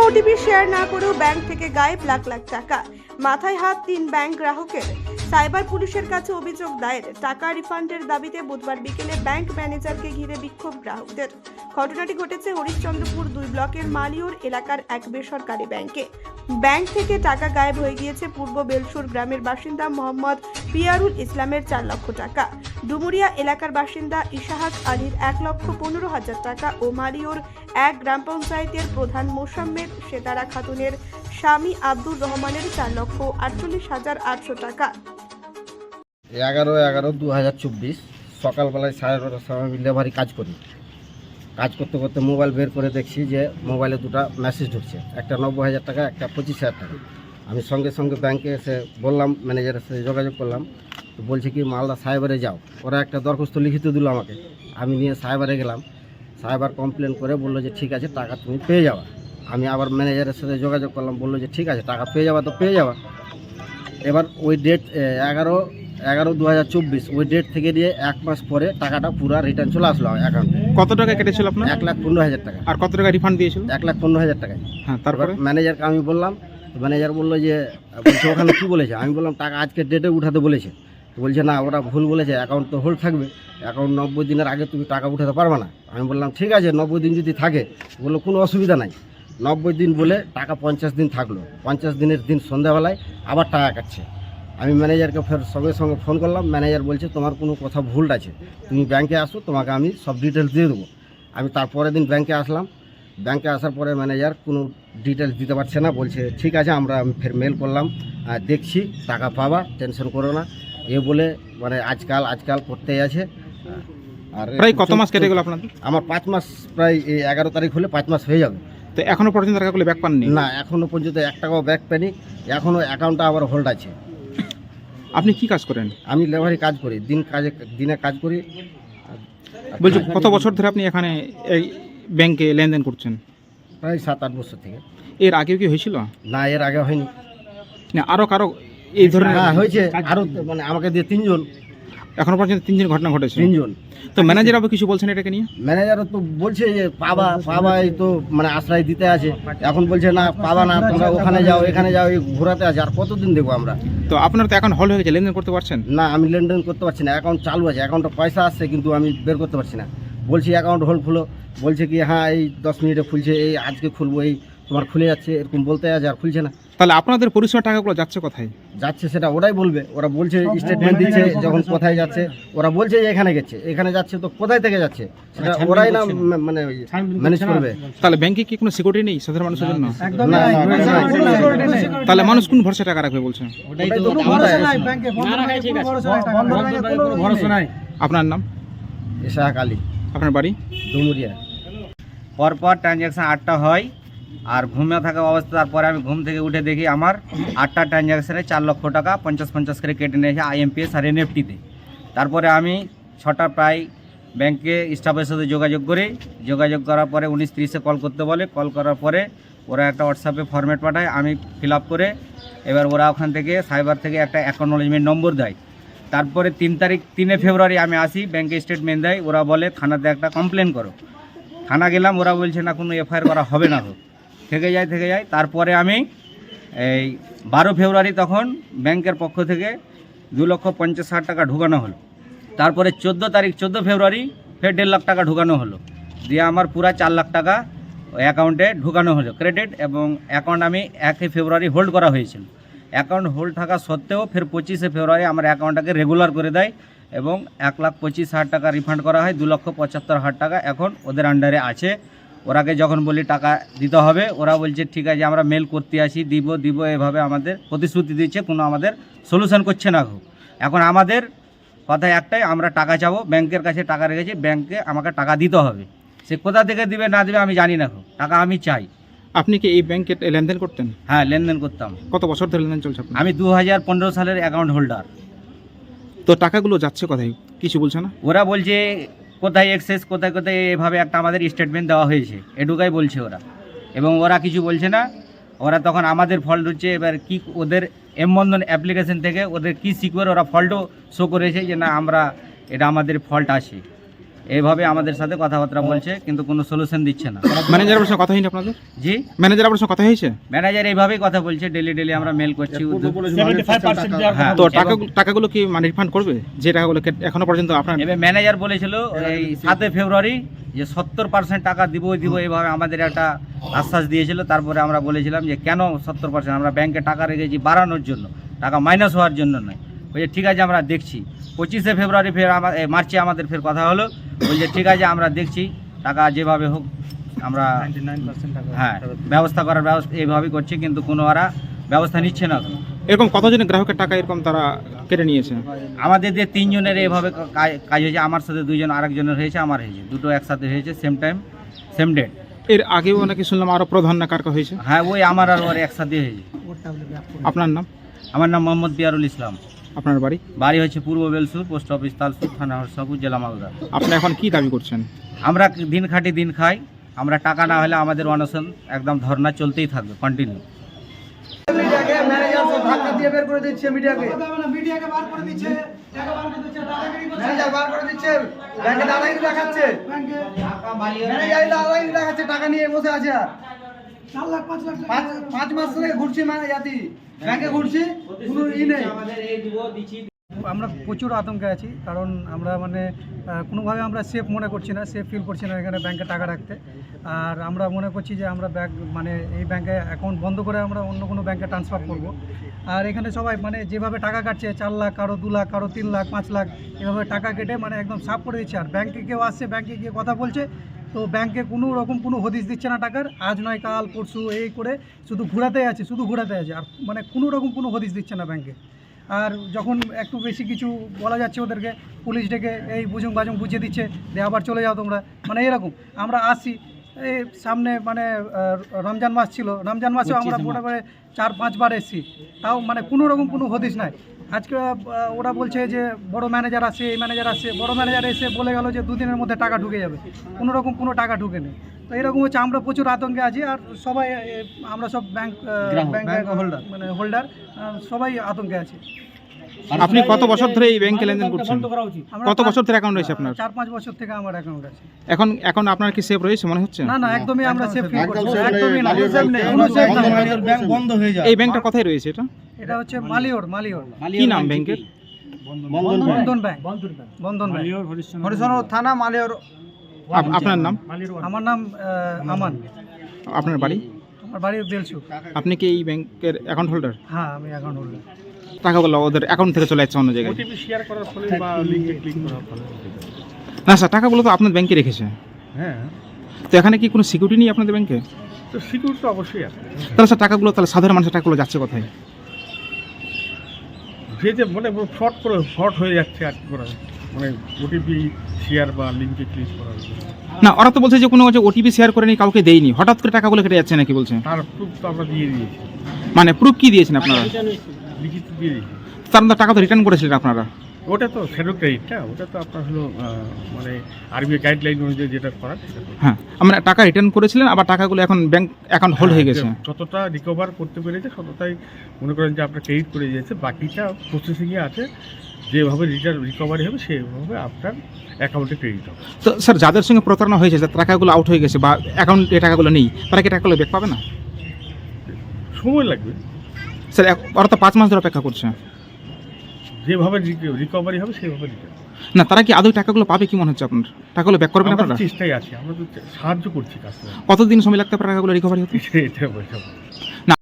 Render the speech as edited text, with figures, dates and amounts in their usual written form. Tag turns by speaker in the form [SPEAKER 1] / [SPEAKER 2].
[SPEAKER 1] OTP share না করেও bank থেকে গায়েব লাখ লাখ টাকা। মাথায় হাত 3 ব্যাংক গ্রাহকের। সাইবার পুলিশের কাছে অভিযোগ দায়ের। টাকা রিফান্ডের দাবিতে বুধবার বিকেলে ব্যাংক ম্যানেজারকে ঘিরে বিক্ষোভ গ্রাহকদের। ঘটনাটি ঘটেছে হরিশ্চন্দ্রপুর 2 ব্লকের মালিয়র এলাকার এক বেসরকারি ব্যাংকে। ব্যাংক থেকে টাকা গায়েব হয়ে গিয়েছে পূর্ব বেলসুর গ্রামের বাসিন্দা মোহাম্মদ পিয়ারুল ইসলামের 4 লক্ষ টাকা, ডুমুরিয়া এলাকার বাসিন্দা ইশাহাত আলীর 1,15,000 টাকা ও মালিয়র এক গ্রাম পঞ্চায়েতের প্রধান মোসাম্মেদ সেতারা খাতুনের স্বামী আব্দুর রহমানের 4,48,800 টাকা।
[SPEAKER 2] 11/11/2024 সকালবেলায় 12:30 সময় ডেলিভারি কাজ করি। কাজ করতে করতে মোবাইল বের করে দেখছি যে মোবাইলে দুটো মেসেজ ঢুকছে, একটা 90,000 টাকা, একটা 25,000 টাকা। আমি সঙ্গে সঙ্গে ব্যাংকে এসে বললাম, ম্যানেজারের সাথে যোগাযোগ করলাম। তো বলছে কি মালদা সাইবারে যাও। ওরা একটা দরখাস্ত লিখিত দিল আমাকে। আমি নিয়ে সাইবারে গেলাম। সাইবার কমপ্লেন করে বললো যে ঠিক আছে, টাকা তুমি পেয়ে যাওয়া। আমি আবার ম্যানেজারের সাথে যোগাযোগ করলাম, বললো যে ঠিক আছে, টাকা পেয়ে যাওয়া তো পেয়ে যাওয়া। এবার ওই ডেট 11/11/2024 ওই ডেট থেকে দিয়ে 1 মাস পরে টাকাটা পুরো রিটার্ন চলে আসলো অ্যাকাউন্টে।
[SPEAKER 3] কত টাকা কেটেছিল আপনার?
[SPEAKER 2] 1,15,000 টাকা।
[SPEAKER 3] আর কত টাকা রিফান্ড দিয়েছিল?
[SPEAKER 2] 1,15,000 টাকা।
[SPEAKER 3] হ্যাঁ, তারপরে
[SPEAKER 2] ম্যানেজারকে আমি বললাম, ম্যানেজার বললো যে বলছে ওখানে কী বলেছে। আমি বললাম টাকা আজকের ডেটে উঠাতে বলেছে। তো বলছে না, ওরা ভুল বলেছে, অ্যাকাউন্ট তো হোল্ড থাকবে, অ্যাকাউন্ট 90 দিনের আগে তুমি টাকা উঠাতে পারবে না। আমি বললাম ঠিক আছে, 90 দিন যদি থাকে, বললো কোনো অসুবিধা নাই। 90 দিন বলে টাকা 50 দিন থাকলো। 50 দিনের দিন সন্ধ্যাবেলায় আবার টাকা কাটছে। আমি ম্যানেজারকে ফের সঙ্গে সঙ্গে ফোন করলাম। ম্যানেজার বলছে তোমার কোনো কথা ভুল আছে, তুমি ব্যাংকে আসো, তোমাকে আমি সব ডিটেলস দিয়ে দেবো। আমি তারপরের দিন ব্যাংকে আসলাম। ব্যাংকে আসার পরে ম্যানেজার কোনো ডিটেলস দিতে পারছে না। বলছে ঠিক আছে, আমি ফের মেল করলাম, দেখছি, টাকা পাবা, টেনশন করো না, এ বলে মানে আজকাল করতেই আছে। আর
[SPEAKER 3] প্রায় কত মাস কেটে গেল আপনাদের?
[SPEAKER 2] আমার 5 মাস, প্রায় এই 11 তারিখ হলে 5 মাস হয়ে যাবে।
[SPEAKER 3] তো এখনো পর্যন্ত টাকাগুলো ব্যাক পাননি?
[SPEAKER 2] না, এখনও পর্যন্ত 1 টাকাও ব্যাক পাইনি। এখনও অ্যাকাউন্টটা আবার হোল্ড আছে।
[SPEAKER 3] আপনি কি কাজ করেন?
[SPEAKER 2] আমি লেবারি কাজ করি, দিনে কাজ করি।
[SPEAKER 3] বলছি কত বছর ধরে আপনি এখানে এই ব্যাংকে লেনদেন করছেন?
[SPEAKER 2] প্রায় 7-8 বছর থেকে।
[SPEAKER 3] এর আগেও কি হয়েছিল?
[SPEAKER 2] না, এর আগে হয়নি।
[SPEAKER 3] না, আরও কারো এই ধরনের?
[SPEAKER 2] হ্যাঁ হয়েছে, আরও মানে আমাকে দিয়ে 3 জন।
[SPEAKER 3] এখনো পর্যন্ত 3 জন ঘটনা ঘটেছে?
[SPEAKER 2] 3 জন।
[SPEAKER 3] তো ম্যানেজার আবার কিছু বলছেন এটাকে নিয়ে?
[SPEAKER 2] ম্যানেজারও তো বলছে যে পাবা, এই তো মানে আশ্রয় দিতে আছে। এখন বলছে না, পাবা না, তোমরা ওখানে যাও, এখানে যাও, এই ঘোরাতে আছে। আর কতদিন দেখবো আমরা?
[SPEAKER 3] তো আপনার তো এখন হল হয়ে গেছে, লেনদেন করতে পারছেন?
[SPEAKER 2] না, আমি লেনদেন করতে পারছি না। অ্যাকাউন্ট চালু আছে, অ্যাকাউন্টে পয়সা আসছে, কিন্তু আমি বের করতে পারছি না। বলছি অ্যাকাউন্ট হোল্ড খুলো, বলছে কি হ্যাঁ এই 10 মিনিটে খুলছে, এই আজকে খুলবো, এই তোমার খুলে যাচ্ছে, এরকম বলতে আছে, আর খুলছে না।
[SPEAKER 3] তাহলে আপনাদের পরিষেবার টাকাগুলো যাচ্ছে কোথায়?
[SPEAKER 2] যাচ্ছে সেটা ওরাই বলবে। ওরা বলছে, স্টেটমেন্ট দিচ্ছে যখন কোথায় যাচ্ছে, ওরা বলছে যে এখানে গেছে, এখানে যাচ্ছে, তো কোথায় থেকে যাচ্ছে সেটা ওরাই না মানে ম্যানেজ করবে।
[SPEAKER 3] তাহলে ব্যাংকে কি কোনো সিকিউরিটি নেই সাধারণ মানুষের জন্য?
[SPEAKER 2] না,
[SPEAKER 3] তাহলে মানুষ কোন ভরসা টাকা রাখবে বলছে? আপনার নাম?
[SPEAKER 2] ইশাহাত আলী।
[SPEAKER 3] আপনার বাড়ি?
[SPEAKER 2] ডুমুরিয়া।
[SPEAKER 4] পরপর ট্রানজ্যাকশান 8টা হয়, আর ঘুমে থাকা অবস্থা। তারপরে আমি ঘুম থেকে উঠে দেখি আমার 8টা ট্রানজ্যাকশানে 4 লক্ষ টাকা 50-50 করে কেটে নিয়েছে IMPS আর NEFT-তে। তারপরে আমি 6টা প্রায় ব্যাংকে স্টাফের সাথে যোগাযোগ করার পরে 19:30-এ কল করতে বলে। কল করার পরে ওরা একটা হোয়াটসঅ্যাপে ফরম্যাট পাঠায়, আমি ফিল আপ করে এবার ওরা ওখান থেকে সাইবার থেকে একটা অ্যাকনোলেজমেন্ট নম্বর দেয়। তারপরে 3 ফেব্রুয়ারি আমি আসি, ব্যাংকে স্টেটমেন্ট দেয়। ওরা বলে থানাতে একটা কমপ্লেন করো। থানা গেলাম, ওরা বলছে না, কোনো FIR করা হবে না, থেকে যায়। তারপরে আমি এই 12 ফেব্রুয়ারি তখন ব্যাংকের পক্ষ থেকে 2,50,000 টাকা ঢুকানো হলো। তারপরে 14 ফেব্রুয়ারি ফের 1.5 লাখ টাকা ঢুকানো হলো। দিয়ে আমার পুরা 4 লাখ টাকা অ্যাকাউন্টে ঢুকানো হলো ক্রেডিট। এবং অ্যাকাউন্ট আমি 1 ফেব্রুয়ারি হোল্ড করা হয়েছিল। অ্যাকাউন্ট হোল্ড থাকা সত্ত্বেও ফের 25 ফেব্রুয়ারি আমার অ্যাকাউন্টটাকে রেগুলার করে দেয় এবং 1,25,000 টাকা রিফান্ড করা হয়। 2,75,000 টাকা এখন ওদের আন্ডারে আছে। ওরাকে যখন বলি টাকা দিতে হবে, ওরা বলছে ঠিক আছে, আমরা মেল করতে আসি, দিব এভাবে আমাদের প্রতিশ্রুতি দিচ্ছে, কোনো আমাদের সলিউশন করছে না। এখন আমাদের কথা একটাই, আমরা টাকা চাবো, ব্যাংকের কাছে টাকা রেখেছি, ব্যাংকে আমাকে টাকা দিতে হবে। সে কোথা থেকে দিবে না দিবে আমি জানি না, টাকা আমি চাই।
[SPEAKER 3] আপনি কি এই ব্যাংকে লেনদেন করতেন?
[SPEAKER 4] হ্যাঁ, লেনদেন করতাম।
[SPEAKER 3] কত বছর ধরে লেনদেন চলছে আপনার?
[SPEAKER 4] আমি 2015 সালের অ্যাকাউন্ট হোল্ডার।
[SPEAKER 3] তো টাকাগুলো যাচ্ছে কোথায় কিছু বলছে না?
[SPEAKER 4] ওরা বলছে কোথায় এক্সেস, কোথায় এভাবে একটা আমাদের স্টেটমেন্ট দেওয়া হয়েছে, এটুকাই বলছে ওরা। এবং ওরা কিছু বলছে না। ওরা তখন আমাদের ফল্ট হচ্ছে। এবার কি ওদের বন্ধন অ্যাপ্লিকেশন থেকে ওদের কি সিকিউর ওরা ফল্টও শো করেছে যে না, এটা আমাদের ফল্ট আছে। এইভাবে আমাদের সাথে কথাবার্তা বলছে, কিন্তু কোনো সলিউশন দিচ্ছে না।
[SPEAKER 3] ম্যানেজারের সঙ্গে কথা হয়নি আপনাদের?
[SPEAKER 4] জি,
[SPEAKER 3] ম্যানেজার আপনার সঙ্গে কথা হয়েছে?
[SPEAKER 4] ম্যানেজার এইভাবেই কথা বলছে, ডেলি আমরা মেল করছি। হ্যাঁ,
[SPEAKER 3] তো টাকাগুলো কি মানে রিফান্ড করবে, যে টাকাগুলো এখনো পর্যন্ত আপনার?
[SPEAKER 4] এবার ম্যানেজার বলেছিল এই 7 ফেব্রুয়ারি যে 70% টাকা দিব এইভাবে আমাদের একটা আশ্বাস দিয়েছিল। তারপরে আমরা বলেছিলাম যে কেন 70%, আমরা ব্যাংকে টাকা রেখেছি বাড়ানোর জন্য, টাকা মাইনাস হওয়ার জন্য নয়। বলছে ঠিক আছে আমরা দেখছি। 25 ফেব্রুয়ারি ফের মার্চে আমাদের ফের কথা হলো, বলছে ঠিক আছে আমরা দেখছি, টাকা যেভাবে হোক আমরা হ্যাঁ ব্যবস্থা করার ব্যবস্থা এইভাবেই করছি, কিন্তু কোনো ওরা ব্যবস্থা নিচ্ছে না।
[SPEAKER 3] এরকম কতজনের গ্রাহকের টাকা এরকম তারা কেটে নিয়েছে?
[SPEAKER 4] আমাদের যে 3 জনের এইভাবে কাজ হয়েছে, আমার সাথে 2 জন, আরেকজনের হয়েছে, আমার হয়েছে, দুটো একসাথে হয়েছে, সেম টাইম সেম ডেট।
[SPEAKER 3] এর আগেও নাকি শুনলাম আরো প্রধান না কার হয়েছে?
[SPEAKER 4] হ্যাঁ, ওই আমার আর ওর একসাথে হয়েছে।
[SPEAKER 3] আপনার নাম?
[SPEAKER 4] আমার নাম মোহাম্মদ বিয়ারুল ইসলাম।
[SPEAKER 3] আপনার বাড়ি?
[SPEAKER 4] বাড়ি হচ্ছে পূর্ব বেলসুর, পোস্ট অফিস তালসুর, থানা হরসাপুর, জেলা মালদা।
[SPEAKER 3] আপনি এখন কি দাবি করছেন?
[SPEAKER 4] আমরা দিন খাটি দিন খাই, আমরা টাকা না হলে আমাদের অনশন একদম ধর্না চলতেই থাকবে কন্টিনিউ।
[SPEAKER 5] মিডিয়াকে ম্যানেজার সব ধাক্কা দিয়ে বের করে দিচ্ছে, মিডিয়াকে ম্যানেজার বার করে দিচ্ছে, ব্যাংকে দাদাগিরি দেখাচ্ছে, ম্যানেজার দাদাগিরি দেখাচ্ছে, টাকা নিয়ে বসে আছে। আর 5 মাস ধরে ঘুরছি, জাতি ব্যাংকে ঘুরছি, কোনো ই নেই।
[SPEAKER 6] আমরা প্রচুর আতঙ্কে আছি, কারণ আমরা মানে কোনোভাবে আমরা সেফ মনে করছি না, সেফ ফিল করছি না এখানে ব্যাংকে টাকা রাখতে। আর আমরা মনে করছি যে আমরা মানে এই ব্যাংকে অ্যাকাউন্ট বন্ধ করে আমরা অন্য কোনো ব্যাংকে ট্রান্সফার করব। আর এখানে সবাই মানে যেভাবে টাকা কাটছে, 4 লাখ, কারো 2 লাখ, কারো 3 লাখ, 5 লাখ, এভাবে টাকা কেটে মানে একদম সাফ করে দিচ্ছে। আর ব্যাংকে কেউ আসছে, ব্যাংকে গিয়ে কথা বলছে, তো ব্যাংকে কোনো রকম কোনো হদিশ দিচ্ছে না টাকার। আজ নয় কাল পরশু এই করে শুধু ঘোরাতে আছে, আর মানে কোনো রকম কোনো হদিশ দিচ্ছে না ব্যাংকে। আর যখন একটু বেশি কিছু বলা যাচ্ছে ওদেরকে, পুলিশ ডেকে এই বুঝুং বাজুং বুঝিয়ে দিচ্ছে যে আবার চলে যাও তোমরা, মানে এরকম। আমরা আসছি এই সামনে মানে রমজান মাস ছিল, রমজান মাসেও আমরা মোটামুটি 4-5 বার এসেছি, তাও মানে কোনো রকম কোনো হদিশ নাই। আজকে ওরা বলছে যে বড় ম্যানেজার আসে, এই ম্যানেজার আসে, বড় ম্যানেজার এসে বলে গেল যে 2 দিনের মধ্যে টাকা ঢুকে যাবে, কোনো রকম কোনো টাকা ঢুকে নেই। তো এরকম হচ্ছে, আমরা প্রচুর আতঙ্কে আছি। আর সবাই আমরা সব ব্যাংক হোল্ডার মানে হোল্ডার সবাই আতঙ্কে আছি।
[SPEAKER 3] আপনি কত বছর ধরে এই ব্যাংকে লেনদেন করছেন? কত বছর ধরে অ্যাকাউন্ট রয়েছে আপনার?
[SPEAKER 6] 4-5 বছর থেকে আমার অ্যাকাউন্ট আছে।
[SPEAKER 3] এখন আপনার কি সেফ রয়েছে মনে হচ্ছে?
[SPEAKER 6] না না, একদমই আমরা সেফ ফিল করছি, একদমই না,
[SPEAKER 5] ব্যাংক বন্ধ হয়ে যায়।
[SPEAKER 3] এই ব্যাংকটা কোথায় রয়েছে এটা?
[SPEAKER 6] এটা হচ্ছে মালিওর।
[SPEAKER 3] কি নাম ব্যাংকের?
[SPEAKER 6] বন্ধন ব্যাংক।
[SPEAKER 5] হরিশনগর থানা, মালিয়র।
[SPEAKER 3] আপনার নাম?
[SPEAKER 6] আমার নাম আমান।
[SPEAKER 3] আপনার বাড়ি?
[SPEAKER 6] আমার বাড়ি বেলসু।
[SPEAKER 3] আপনি কি এই ব্যাংকের অ্যাকাউন্ট হোল্ডার?
[SPEAKER 6] হ্যাঁ, আমি অ্যাকাউন্ট হোল্ডার।
[SPEAKER 3] টাকাগুলো ওদের অ্যাকাউন্ট থেকে চলে যাচ্ছে অন্য জায়গায়? না স্যার, টাকাগুলো তো আপনার ব্যাংকে রেখেছে।
[SPEAKER 7] হ্যাঁ,
[SPEAKER 3] তো এখানে কি কোনো সিকিউরিটি নেই আপনাদের ব্যাংকে?
[SPEAKER 7] তো সিকিউরিটি তো অবশ্যই আছে।
[SPEAKER 3] তাহলে স্যার টাকাগুলো, তাহলে সাধারণ মানুষের টাকাগুলো যাচ্ছে কোথায়?
[SPEAKER 7] যে মানে ফ্রড হয়ে যাচ্ছে আর কি করা যায়। মানে ওটিপি শেয়ার বা লিঙ্কে ক্লিক করা যায়।
[SPEAKER 3] না, ওরা তো বলছে যে কোনো ওটিপি শেয়ার করেনি, কাউকে দেয়নি, হঠাৎ করে টাকাগুলো কেটে যাচ্ছে নাকি বলছে?
[SPEAKER 7] তার প্রুফ তো আমরা দিয়ে দিয়েছি,
[SPEAKER 3] মানে প্রুফ কি দিয়েছেন আপনারা?
[SPEAKER 7] লিখিত দিয়ে দিয়েছি।
[SPEAKER 3] তার মধ্যে টাকা তো রিটার্ন করেছিলেন আপনারা?
[SPEAKER 7] ওটা তো শ্যাডো ক্রেডিটটা, ওটা তো আপনার হলো মানে আরবিআই গাইডলাইন অনুযায়ী যেটা করার সেটা করতে হবে।
[SPEAKER 3] হ্যাঁ, আমরা টাকা রিটার্ন করেছিলেন, আবার টাকাগুলো এখন ব্যাংক অ্যাকাউন্ট হোল্ড হয়ে গেছে।
[SPEAKER 7] যতটা রিকভার করতে পেরেছে ততটাই মনে করেন যে আপনার ক্রেডিট করে দিয়েছে, বাকিটা প্রসেসিংয়ে আছে। যেভাবে রিকভারি হবে সেভাবে আপনার অ্যাকাউন্টে ক্রেডিট হবে।
[SPEAKER 3] তো স্যার, যাদের সঙ্গে প্রতারণা হয়েছে, যে টাকাগুলো আউট হয়ে গেছে বা অ্যাকাউন্টে টাকাগুলো নেই, তারা কি টাকাগুলো ব্যাক পাবে না?
[SPEAKER 7] সময় লাগবে
[SPEAKER 3] স্যার, ওরা তো 5 মাস ধরে অপেক্ষা করছে।
[SPEAKER 7] যেভাবে রিকভারি হবে সেভাবে রিটার্ন।
[SPEAKER 3] না, তারা কি আদৌ টাকাগুলো পাবে কি মনে হচ্ছে আপনার? টাকাগুলো ব্যাক করবেন আপনারা?
[SPEAKER 7] চেষ্টাই আছে, আমরা তো সাহায্য করছি কাস্টমার।
[SPEAKER 3] কতদিন সময় লাগতে পারে টাকাগুলো রিকভারি হতে?
[SPEAKER 7] এটা বোঝাবো।